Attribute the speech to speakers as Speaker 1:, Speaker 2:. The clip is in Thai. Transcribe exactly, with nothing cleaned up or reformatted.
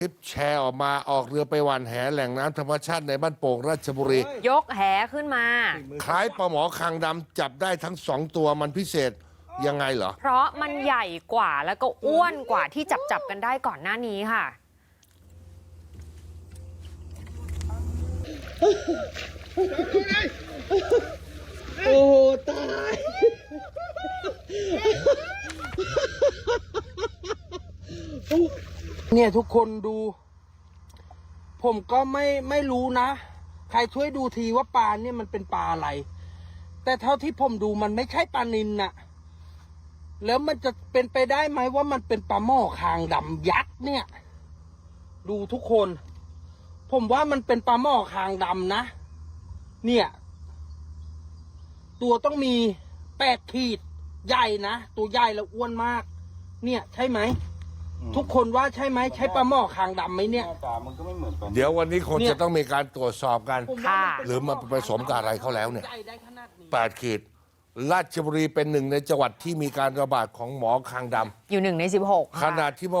Speaker 1: คลิปแชร์ออกมาออกเรือไปหว่านแหแหล่งน้ำธรรมชาติในบ้านโป่งราชบุรี
Speaker 2: ยกแหขึ้นมา
Speaker 1: คล้ายปลาหมอคางดำจับได้ทั้งสองตัวมันพิเศษยังไงเหรอ
Speaker 2: เพราะมันใหญ่กว่าแล้วก็อ้วนกว่าที่จับจับกันได้ก่อนหน้านี้ค่ะ
Speaker 3: โอ้โหตาย เนี่ยทุกคนดู ผมก็ไม่ไม่รู้นะ ใครช่วยดูทีว่าปลาเนี่ยมันเป็นปลาอะไร แต่เท่าที่ผมดูมันไม่ใช่ปลานิลน่ะ แล้วมันจะเป็นไปได้ไหมว่ามันเป็นปลาหม้อคางดำยักษ์เนี่ย ดูทุกคน ผมว่ามันเป็นปลาหม้อคางดำนะ เนี่ย ตัวต้องมีแปดขีดใหญ่นะ ตัวใหญ่แล้วอ้วนมาก เนี่ยใช่ไหม ทุกคนว่าใช่ไหมใช่ปลาหม้อคางดำไหมเนี่ย
Speaker 1: เดี๋ยววันนี้คงจะต้องมีการตรวจสอบกัน
Speaker 2: ค่ะ
Speaker 1: หรือมันผสมกับอะไรเขาแล้วเนี่ย
Speaker 3: ใหญ่ได้ขนาดนี้
Speaker 1: แปดขีดราชบุรีเป็นหนึ่งในจังหวัดที่มีการระบาดของหมอคางด
Speaker 2: อยู่หนึ่งในสิบหก
Speaker 1: ำขณะที่